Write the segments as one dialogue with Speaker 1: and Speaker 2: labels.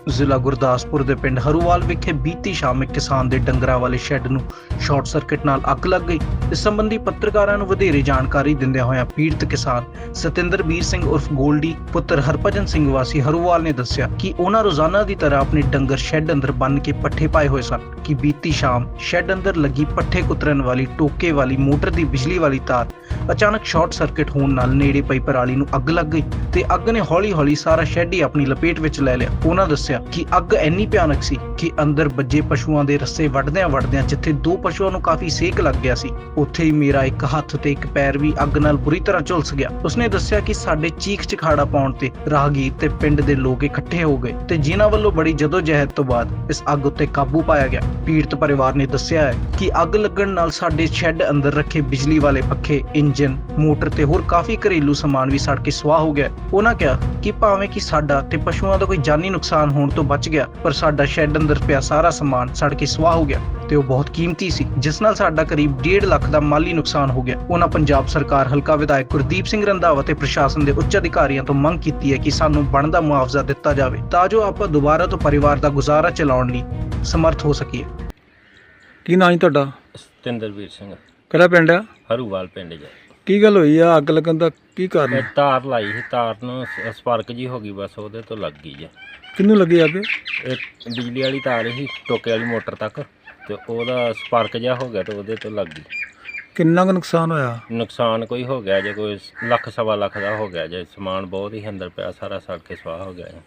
Speaker 1: ਜ਼ਿਲ੍ਹਾ ਗੁਰਦਾਸਪੁਰ ਦੇ ਪਿੰਡ ਹਰੂਵਾਲ ਵਿਖੇ ਬੀਤੀ ਸ਼ਾਮ ਇੱਕ ਕਿਸਾਨ ਦੇ ਡੰਗਰਾਂ ਵਾਲੇ ਸ਼ੈੱਡ ਨੂੰ ਸ਼ਾਰਟ ਸਰਕਟ ਨਾਲ ਅੱਗ ਲੱਗ ਗਈ। ਇਸ ਸੰਬੰਧੀ ਪੱਤਰਕਾਰਾਂ ਨੂੰ ਵਧੇਰੇ ਜਾਣਕਾਰੀ ਦਿੰਦਿਆਂ ਹੋਇਆਂ ਪੀੜਤ ਕਿਸਾਨ ਸਤਿੰਦਰਬੀਰ ਸਿੰਘ ਉਰਫ ਗੋਲਡੀ ਪੁੱਤਰ ਹਰਭਜਨ ਸਿੰਘ ਵਾਸੀ ਹਰੂਵਾਲ ਨੇ ਦੱਸਿਆ ਕਿ ਉਹਨਾਂ ਰੋਜ਼ਾਨਾ ਦੀ ਤਰ੍ਹਾਂ ਆਪਣੇ ਡੰਗਰ ਸ਼ੈੱਡ ਅੰਦਰ ਬੰਨ੍ਹ ਕੇ ਪੱਠੇ ਪਾਏ ਹੋਏ ਸਨ ਕਿ ਬੀਤੀ ਸ਼ਾਮ ਸ਼ੈੱਡ ਅੰਦਰ ਲੱਗੀ ਪੱਠੇ ਕੁਤਰਨ ਵਾਲੀ ਟੋਕੇ ਵਾਲੀ ਮੋਟਰ ਦੀ ਬਿਜਲੀ ਵਾਲੀ ਤਾਰ ਅਚਾਨਕ ਸ਼ਾਰਟ ਸਰਕਟ ਹੋਣ ਨਾਲ ਨੇੜੇ ਪਈ ਪਰਾਲੀ ਨੂੰ ਅੱਗ ਲੱਗ ਗਈ ਤੇ ਅੱਗ ਨੇ ਹੌਲੀ-ਹੌਲੀ ਸਾਰਾ ਸ਼ੈੱਡ ਹੀ ਆਪਣੀ ਲਪੇਟ ਵਿੱਚ ਲੈ ਲਿਆ। ਉਹਨਾਂ ਦੱਸਿਆ ਕਿ ਅੱਗ ਇੰਨੀ ਭਿਆਨਕ ਸੀ ਕਿ ਅੰਦਰ ਵੱਜੇ ਪਸ਼ੂਆਂ ਦੇ ਰੱਸੇ ਵੱਢਦਿਆਂ ਜਿੱਥੇ ਦੋ ਪਸ਼ੂਆਂ ਨੂੰ ਕਾਫੀ ਸੇਕ ਲੱਗ ਗਿਆ ਸੀ, ਉੱਥੇ ਹੀ ਮੇਰਾ ਇੱਕ ਹੱਥ ਤੇ ਇੱਕ ਪੈਰ ਵੀ ਅੱਗ ਨਾਲ ਬੁਰੀ ਤਰ੍ਹਾਂ ਝੁਲਸ ਗਿਆ। ਉਸਨੇ ਦੱਸਿਆ ਕਿ ਸਾਡੇ ਚੀਖ ਚਿਖਾੜਾ ਪਾਉਣ ਤੇ ਰਾਹਗੀਰ ਤੇ ਪਿੰਡ ਦੇ ਲੋਕ ਇਕੱਠੇ ਹੋ ਗਏ ਤੇ ਜਿਨ੍ਹਾਂ ਵੱਲੋਂ ਬੜੀ ਜਦੋਜਹਿਦ ਤੋਂ ਬਾਅਦ ਇਸ ਅੱਗ ਉੱਤੇ ਕਾਬੂ ਪਾਇਆ ਗਿਆ। ਪੀੜਤ ਪਰਿਵਾਰ ਨੇ ਦੱਸਿਆ ਹੈ ਕਿ ਅੱਗ ਲੱਗਣ ਨਾਲ ਸਾਡੇ ਸ਼ੈੱਡ ਅੰਦਰ ਰੱਖੇ ਬਿਜਲੀ ਵਾਲੇ ਪੱਖੇ, ਇੰਜਨ, ਮੋਟਰ ਤੇ ਹੋਰ ਕਾਫੀ ਘਰੇਲੂ ਸਮਾਨ ਵੀ ਸੜ ਕੇ ਸੁਆਹ ਹੋ ਗਿਆ। ਉਹਨਾਂ ਕਿਹਾ ਕਿ ਭਾਵੇਂ ਕਿ ਸਾਡਾ ਤੇ ਪਸ਼ੂਆਂ ਦਾ ਕੋਈ ਜਾਨੀ ਨੁਕਸਾਨ ਹੋਣ ਤੋਂ ਬਚ ਗਿਆ, ਪਰ ਸਾਡਾ ਸ਼ੈੱਡ ਅੰਦਰ ਪਿਆ ਸਾਰਾ ਸਮਾਨ ਸੜ ਕੇ ਸੁਆਹ ਹੋ ਗਿਆ ਤੇ ਉਹ ਬਹੁਤ ਕੀਮਤੀ ਸੀ, ਜਿਸ ਨਾਲ ਸਾਡਾ ਕਰੀਬ 1.5 ਲੱਖ ਦਾ ਮਾਲੀ ਨੁਕਸਾਨ ਹੋ ਗਿਆ। ਉਹਨਾਂ ਪੰਜਾਬ ਸਰਕਾਰ ਹਲਕਾ ਵਿਧਾਇਕ ਗੁਰਦੀਪ ਸਿੰਘ ਰੰਧਾਵਾ ਤੇ ਪ੍ਰਸ਼ਾਸਨ ਦੇ ਉੱਚ ਅਧਿਕਾਰੀਆਂ ਤੋਂ ਮੰਗ ਕੀਤੀ ਹੈ ਕਿ ਸਾਨੂੰ ਬਣਦਾ ਮੁਆਵਜ਼ਾ ਦਿੱਤਾ ਜਾਵੇ ਤਾਂ ਜੋ ਆਪਾਂ ਦੁਬਾਰਾ ਤੋਂ ਪਰਿਵਾਰ ਦਾ ਗੁਜ਼ਾਰਾ ਚਲਾਉਣ ਲਈ ਸਮਰਥ ਹੋ ਸਕੀਏ।
Speaker 2: ਕੀ ਨਾਂ ਜੀ ਤੁਹਾਡਾ?
Speaker 3: ਸਤਿੰਦਰਬੀਰ ਸਿੰਘ,
Speaker 2: ਕਿਹੜਾ ਪਿੰਡ ਆ?
Speaker 3: ਹਰੂਵਾਲ ਪਿੰਡ ਜਾ।
Speaker 2: ਕੀ ਗੱਲ ਹੋਈ ਆ? ਅੱਗ ਲੱਗਣ ਦਾ ਕੀ ਕਾਰਨ
Speaker 3: ਇਹ
Speaker 2: ਹੈ?
Speaker 3: ਤਾਰ ਲਾਈ ਸੀ, ਤਾਰ ਨੂੰ ਸਪਾਰਕ ਜੀ ਹੋ ਗਈ, ਬਸ ਉਹਦੇ ਤੋਂ ਲੱਗ ਗਈ ਜੇ।
Speaker 2: ਕਿਹਨੂੰ ਲੱਗੀ ਅੱਗ?
Speaker 3: ਇਹ ਬਿਜਲੀ ਵਾਲੀ ਤਾਰ ਸੀ ਟੋਕੇ ਵਾਲੀ ਮੋਟਰ ਤੱਕ, ਤੇ ਉਹਦਾ ਸਪਾਰਕ ਜਿਹਾ ਹੋ ਗਿਆ ਤੇ ਉਹਦੇ ਤੋਂ ਲੱਗ ਗਈ।
Speaker 2: ਕਿੰਨਾ ਕੁ ਨੁਕਸਾਨ ਹੋਇਆ?
Speaker 3: ਨੁਕਸਾਨ ਕੋਈ ਹੋ ਗਿਆ ਜੇ, ਕੋਈ ਲੱਖ ਸਵਾ ਲੱਖ ਦਾ ਹੋ ਗਿਆ ਜੇ। ਸਮਾਨ ਬਹੁਤ ਹੀ ਅੰਦਰ ਪਿਆ, ਸਾਰਾ ਸੜ ਕੇ ਸਵਾਹ ਹੋ ਗਿਆ ਜੇ।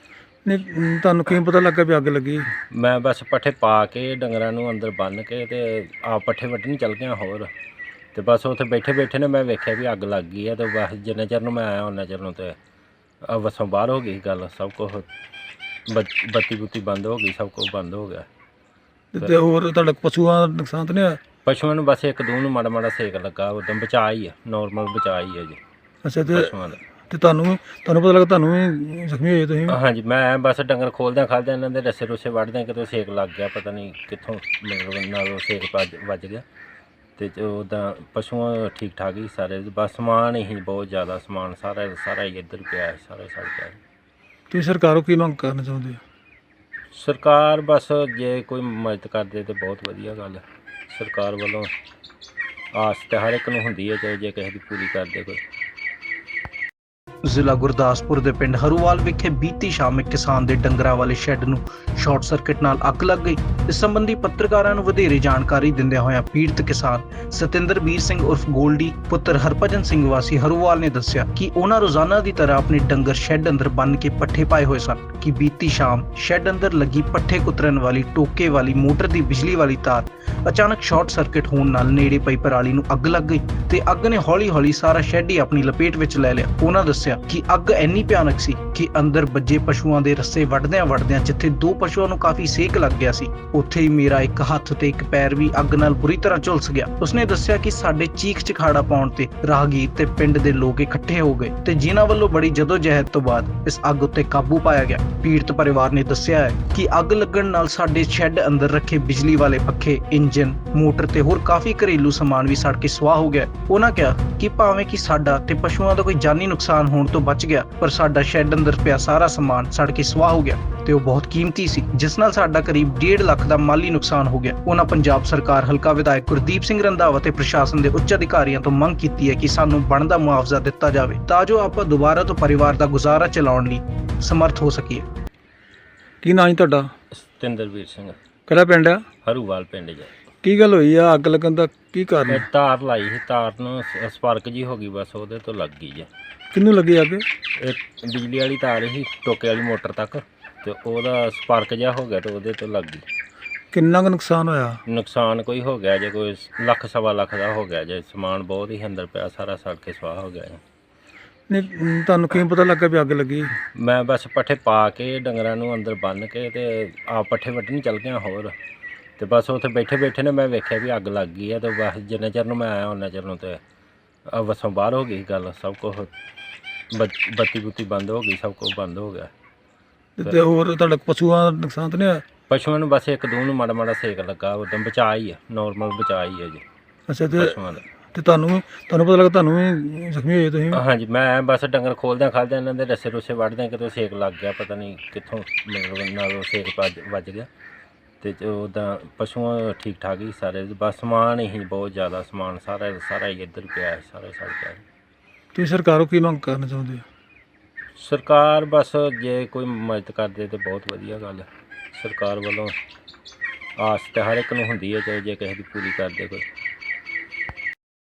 Speaker 2: ਨਹੀਂ, ਤੁਹਾਨੂੰ ਕਿਵੇਂ ਪਤਾ ਲੱਗਾ ਵੀ ਅੱਗ ਲੱਗੀ?
Speaker 3: ਮੈਂ ਬਸ ਪੱਠੇ ਪਾ ਕੇ ਡੰਗਰਾਂ ਨੂੰ ਅੰਦਰ ਬੰਨ੍ਹ ਕੇ ਤੇ ਆਪ ਪੱਠੇ ਵੱਢਣ ਚੱਲ ਗਿਆ ਹੋਰ, ਤੇ ਬਸ ਉੱਥੇ ਬੈਠੇ ਨੇ ਮੈਂ ਵੇਖਿਆ ਵੀ ਅੱਗ ਲੱਗ ਗਈ ਹੈ। ਤੇ ਬਸ ਜਿੰਨੇ ਚਿਰ ਨੂੰ ਮੈਂ ਆਇਆ ਉਹਨਾਂ ਚਿਰ ਨੂੰ ਤੇ ਵਸੋਂ ਬਾਹਰ ਹੋ ਗਈ ਗੱਲ। ਸਭ ਕੁਛ ਬੱਤੀ ਬੁੱਤੀ ਬੰਦ ਹੋ ਗਈ, ਸਭ ਕੁਛ ਬੰਦ ਹੋ ਗਿਆ।
Speaker 2: ਤੇ ਹੋਰ ਤੁਹਾਡਾ ਪਸ਼ੂਆਂ ਦਾ ਨੁਕਸਾਨ ਤਾਂ ਨਹੀਂ ਹੋਇਆ?
Speaker 3: ਪਸ਼ੂਆਂ ਨੂੰ ਬਸ ਇੱਕ ਦੋ ਨੂੰ ਮਾੜਾ ਮਾੜਾ ਸੇਕ ਲੱਗਾ, ਉਦੋਂ ਬਚਾਅ ਹੀ ਆ, ਨੋਰਮਲ ਬਚਾਅ ਹੀ ਹੈ ਜੀ
Speaker 2: ਅੱਛਾ।
Speaker 3: ਪਸ਼ੂਆਂ ਦਾ।
Speaker 2: ਤੇ ਤੁਹਾਨੂੰ ਪਤਾ ਲੱਗਾ ਤੁਹਾਨੂੰ ਵੀ ਜ਼ਖਮੀ ਹੋਏ ਤੁਸੀਂ ਵੀ?
Speaker 3: ਹਾਂਜੀ, ਮੈਂ ਬਸ ਡੰਗਰ ਖੋਲਦਿਆਂ ਖਾਲਦਿਆਂ ਇਹਨਾਂ ਦੇ ਰੱਸੇ ਰੁੱਸੇ ਵੱਢਦਿਆਂ ਕਿਤੋਂ ਸੇਕ ਲੱਗ ਗਿਆ, ਪਤਾ ਨਹੀਂ ਕਿੱਥੋਂ ਮਤਲਬ ਨਾਲ ਸੇਕ ਵੱਜ ਗਿਆ। ਤੇ ਉੱਦਾਂ ਪਸ਼ੂਆਂ ਠੀਕ ਠਾਕ ਹੀ ਸਾਰੇ, ਬਸ ਸਮਾਨ ਹੀ ਬਹੁਤ ਜ਼ਿਆਦਾ ਸਮਾਨ ਸਾਰਾ ਹੀ ਇੱਧਰ ਪਿਆ, ਸਾਰਾ ਸੜ ਗਿਆ।
Speaker 2: ਤੁਸੀਂ ਸਰਕਾਰੋਂ ਕੀ ਮੰਗ ਕਰਨਾ ਚਾਹੁੰਦੇ ਹੋ?
Speaker 3: ਸਰਕਾਰ ਬਸ ਜੇ ਕੋਈ ਮਦਦ ਕਰਦੇ ਤੇ ਬਹੁਤ ਵਧੀਆ ਗੱਲ ਹੈ। ਸਰਕਾਰ ਵੱਲੋਂ ਆਸ ਤਾਂ ਹਰ ਇੱਕ ਨੂੰ ਹੁੰਦੀ ਹੈ, ਚਾਹੇ ਜੇ ਕਿਸੇ ਦੀ ਪੂਰੀ ਕਰਦੇ ਕੋਈ।
Speaker 1: ਜ਼ਿਲ੍ਹਾ ਗੁਰਦਾਸਪੁਰ ਦੇ ਪਿੰਡ ਹਰੂਵਾਲ ਵਿਖੇ ਬੀਤੀ ਸ਼ਾਮ ਇੱਕ ਕਿਸਾਨ ਦੇ ਡੰਗਰਾਂ ਵਾਲੇ ਸ਼ੈੱਡ ਨੂੰ ਸ਼ਾਰਟ ਸਰਕਟ ਨਾਲ ਅੱਗ ਲੱਗ ਗਈ। ਇਸ ਸੰਬੰਧੀ ਪੱਤਰਕਾਰਾਂ ਨੂੰ ਵਧੇਰੇ ਜਾਣਕਾਰੀ ਦਿੰਦਿਆਂ ਹੋਇਆਂ ਪੀੜਤ ਕਿਸਾਨ ਸਤਿੰਦਰਬੀਰ ਸਿੰਘ ਉਰਫ ਗੋਲਡੀ ਪੁੱਤਰ ਹਰਭਜਨ ਸਿੰਘ ਵਾਸੀ ਹਰੂਵਾਲ ਨੇ ਦੱਸਿਆ ਕਿ ਉਹਨਾਂ ਰੋਜ਼ਾਨਾ ਦੀ ਤਰ੍ਹਾਂ ਆਪਣੇ ਡੰਗਰ ਸ਼ੈੱਡ ਅੰਦਰ ਬੰਨ੍ਹ ਕੇ ਪੱਠੇ ਪਾਏ ਹੋਏ ਸਨ ਕਿ ਬੀਤੀ ਸ਼ਾਮ ਸ਼ੈੱਡ ਅੰਦਰ ਲੱਗੀ ਪੱਠੇ ਕੁਤਰਨ ਵਾਲੀ ਟੋਕੇ ਵਾਲੀ ਮੋਟਰ ਦੀ ਬਿਜਲੀ ਵਾਲੀ ਤਾਰ ਅਚਾਨਕ ਸ਼ਾਰਟ ਸਰਕਟ ਹੋਣ ਨਾਲ ਨੇੜੇ ਪਈ ਪਰਾਲੀ ਨੂੰ ਅੱਗ ਲੱਗ ਗਈ ਤੇ ਅੱਗ ਨੇ ਹੌਲੀ-ਹੌਲੀ ਸਾਰਾ ਸ਼ੈੱਡ ਹੀ ਆਪਣੀ ਲਪੇਟ ਵਿੱਚ ਲੈ ਲਿਆ। ਉਹਨਾਂ ਦੱਸਿਆ ਕਿ ਅੱਗ ਇੰਨੀ ਭਿਆਨਕ ਸੀ ਕਿ ਅੰਦਰ ਵੱਜੇ ਪਸ਼ੂਆਂ ਦੇ ਰੱਸੇ ਵੱਢਦਿਆਂ ਜਿੱਥੇ ਦੋ ਪਸ਼ੂਆਂ ਨੂੰ ਕਾਫੀ ਸੇਕ ਲੱਗ ਗਿਆ ਸੀ, ਉੱਥੇ ਹੀ ਮੇਰਾ ਇੱਕ ਹੱਥ ਤੇ ਇੱਕ ਪੈਰ ਵੀ ਅੱਗ ਨਾਲ ਬੁਰੀ ਤਰ੍ਹਾਂ ਝੁਲਸ ਗਿਆ। ਉਸਨੇ ਦੱਸਿਆ ਕਿ ਸਾਡੇ ਚੀਖ ਚਿਖਾੜਾ ਪਾਉਣ ਤੇ ਰਾਹਗੀਰ ਤੇ ਪਿੰਡ ਦੇ ਲੋਕ ਇਕੱਠੇ ਹੋ ਗਏ ਤੇ ਜਿਨ੍ਹਾਂ ਵੱਲੋਂ ਬੜੀ ਜਦੋਜਹਿਦ ਤੋਂ ਬਾਅਦ ਇਸ ਅੱਗ ਉੱਤੇ ਕਾਬੂ ਪਾਇਆ ਗਿਆ। ਪੀੜਤ ਪਰਿਵਾਰ ਨੇ ਦੱਸਿਆ ਹੈ ਕਿ ਅੱਗ ਲੱਗਣ ਨਾਲ ਸਾਡੇ ਸ਼ੈੱਡ ਅੰਦਰ ਰੱਖੇ ਬਿਜਲੀ ਵਾਲੇ ਪੱਖੇ, ਇੰਜਨ, ਮੋਟਰ ਤੇ ਹੋਰ ਕਾਫੀ ਘਰੇਲੂ ਸਮਾਨ ਵੀ ਸੜ ਕੇ ਸੁਆਹ ਹੋ ਗਿਆ। ਉਹਨਾਂ ਕਿਹਾ ਕਿ ਭਾਵੇਂ ਕਿ ਸਾਡਾ ਤੇ ਪਸ਼ੂਆਂ ਦਾ ਕੋਈ ਜਾਨੀ ਨੁਕਸਾਨ ਹੋਣ ਤੋਂ ਬਚ ਗਿਆ, ਪਰ ਸਾਡਾ ਸ਼ੈੱਡ ਅੰਦਰ ਪਿਆ ਸਾਰਾ ਸਮਾਨ ਸੜ ਕੇ ਸੁਆਹ ਹੋ ਗਿਆ ਤੇ ਉਹ ਬਹੁਤ ਕੀਮਤੀ ਸੀ, ਜਿਸ ਨਾਲ ਸਾਡਾ ਕਰੀਬ 1.5 ਲੱਖ ਦਾ ਮਾਲੀ ਨੁਕਸਾਨ ਹੋ ਗਿਆ। ਉਹਨਾਂ ਪੰਜਾਬ ਸਰਕਾਰ ਹਲਕਾ ਵਿਧਾਇਕ ਗੁਰਦੀਪ ਸਿੰਘ ਰੰਧਾਵਾ ਤੇ ਪ੍ਰਸ਼ਾਸਨ ਦੇ ਉੱਚ ਅਧਿਕਾਰੀਆਂ ਤੋਂ ਮੰਗ ਕੀਤੀ ਹੈ ਕਿ ਸਾਨੂੰ ਬਣਦਾ ਮੁਆਵਜ਼ਾ ਦਿੱਤਾ ਜਾਵੇ ਤਾਂ ਜੋ ਆਪਾਂ ਦੁਬਾਰਾ ਤੋਂ ਪਰਿਵਾਰ ਦਾ ਗੁਜ਼ਾਰਾ ਚਲਾਉਣ ਲਈ ਸਮਰਥ ਹੋ ਸਕੀਏ।
Speaker 2: ਕੀ ਨਾਂ ਜੀ ਤੁਹਾਡਾ?
Speaker 3: ਸਤਿੰਦਰਬੀਰ ਸਿੰਘ,
Speaker 2: ਕਿਹੜਾ ਪਿੰਡ ਆ?
Speaker 3: ਹਰੂਵਾਲ ਪਿੰਡ ਜਾ।
Speaker 2: ਕੀ ਗੱਲ ਹੋਈ ਆ? ਅੱਗ ਲੱਗਣ ਦਾ ਕੀ ਕਾਰਨ
Speaker 3: ਇਹ
Speaker 2: ਹੈ?
Speaker 3: ਤਾਰ ਲਾਈ ਸੀ, ਤਾਰ ਨੂੰ ਸਪਾਰਕ ਜੀ ਹੋ ਗਈ, ਬਸ ਉਹਦੇ ਤੋਂ ਲੱਗ ਗਈ ਜੇ।
Speaker 2: ਕਿਹਨੂੰ ਲੱਗੀ ਅੱਗ?
Speaker 3: ਇਹ ਬਿਜਲੀ ਵਾਲੀ ਤਾਰ ਸੀ ਟੋਕੇ ਵਾਲੀ ਮੋਟਰ ਤੱਕ, ਤੇ ਉਹਦਾ ਸਪਾਰਕ ਜਿਹਾ ਹੋ ਗਿਆ ਤੇ ਉਹਦੇ ਤੋਂ ਲੱਗ ਗਈ।
Speaker 2: ਕਿੰਨਾ ਕੁ ਨੁਕਸਾਨ ਹੋਇਆ?
Speaker 3: ਨੁਕਸਾਨ ਕੋਈ ਹੋ ਗਿਆ ਜੇ, ਕੋਈ ਲੱਖ ਸਵਾ ਲੱਖ ਦਾ ਹੋ ਗਿਆ ਜੇ। ਸਮਾਨ ਬਹੁਤ ਹੀ ਅੰਦਰ ਪਿਆ, ਸਾਰਾ ਸੜ ਕੇ ਸਵਾਹ ਹੋ ਗਿਆ ਜੇ।
Speaker 2: ਨਹੀਂ, ਤੁਹਾਨੂੰ ਕਿਵੇਂ ਪਤਾ ਲੱਗਾ ਵੀ ਅੱਗ ਲੱਗੀ?
Speaker 3: ਮੈਂ ਬਸ ਪੱਠੇ ਪਾ ਕੇ ਡੰਗਰਾਂ ਨੂੰ ਅੰਦਰ ਬੰਨ੍ਹ ਕੇ ਤੇ ਆਪ ਪੱਠੇ ਵੱਢਣ ਚੱਲ ਗਿਆ ਹੋਰ, ਤੇ ਬਸ ਉੱਥੇ ਬੈਠੇ ਨੇ ਮੈਂ ਵੇਖਿਆ ਵੀ ਅੱਗ ਲੱਗ ਗਈ ਹੈ। ਤੇ ਬਸ ਜਿੰਨੇ ਚਿਰ ਨੂੰ ਮੈਂ ਆਇਆ ਉਹਨਾਂ ਚਿਰ ਨੂੰ ਤੇ ਵਸੋਂ ਬਾਹਰ ਹੋ ਗਈ ਗੱਲ। ਸਭ ਕੁਛ ਬੱਤੀ ਬੁੱਤੀ ਬੰਦ ਹੋ ਗਈ, ਸਭ ਕੁਛ ਬੰਦ ਹੋ ਗਿਆ।
Speaker 2: ਤੇ ਹੋਰ ਤੁਹਾਡਾ ਪਸ਼ੂਆਂ ਦਾ ਨੁਕਸਾਨ ਤਾਂ ਨਹੀਂ ਹੋਇਆ?
Speaker 3: ਪਸ਼ੂਆਂ ਨੂੰ ਬਸ ਇੱਕ ਦੋ ਨੂੰ ਮਾੜਾ ਮਾੜਾ ਸੇਕ ਲੱਗਾ, ਉਦੋਂ ਬਚਾਅ ਹੀ ਆ, ਨੋਰਮਲ ਬਚਾਅ ਹੀ ਹੈ ਜੀ
Speaker 2: ਅੱਛਾ। ਤੇ
Speaker 3: ਪਸ਼ੂਆਂ ਦਾ।
Speaker 2: ਤੇ ਤੁਹਾਨੂੰ ਪਤਾ ਲੱਗਾ ਤੁਹਾਨੂੰ ਵੀ ਜ਼ਖਮੀ ਹੋਏ ਤੁਸੀਂ?
Speaker 3: ਹਾਂਜੀ, ਮੈਂ ਬਸ ਡੰਗਰ ਖੋਲਦਿਆਂ ਖਾਲਦਿਆਂ ਇਹਨਾਂ ਦੇ ਰੱਸੇ ਰੁੱਸੇ ਵੱਢਦਿਆਂ ਕਿਤੇ ਸੇਕ ਲੱਗ ਗਿਆ, ਪਤਾ ਨਹੀਂ ਕਿੱਥੋਂ ਮਤਲਬ ਨਾਲ ਉਹ ਸੇਕ ਵੱਜ ਗਿਆ। ਤੇ ਉੱਦਾਂ ਪਸ਼ੂ ਠੀਕ ਠਾਕ ਹੀ ਸਾਰੇ, ਬਸ ਸਮਾਨ ਹੀ ਬਹੁਤ ਜ਼ਿਆਦਾ ਸਮਾਨ ਸਾਰਾ ਹੀ ਇੱਧਰ ਪਿਆ, ਸਾਰਾ ਸੜ ਗਿਆ।
Speaker 2: ਤੁਸੀਂ ਸਰਕਾਰੋਂ ਕੀ ਮੰਗ ਕਰਨਾ ਚਾਹੁੰਦੇ ਹੋ?
Speaker 3: ਸਰਕਾਰ ਬਸ ਜੇ ਕੋਈ ਮਦਦ ਕਰਦੇ ਤੇ ਬਹੁਤ ਵਧੀਆ ਗੱਲ ਹੈ। ਸਰਕਾਰ ਵੱਲੋਂ ਆਸ ਤਾਂ ਹਰ ਇੱਕ ਨੂੰ ਹੁੰਦੀ ਹੈ, ਚਾਹੇ ਜੇ ਕਿਸੇ ਦੀ ਪੂਰੀ ਕਰਦੇ ਕੋਈ।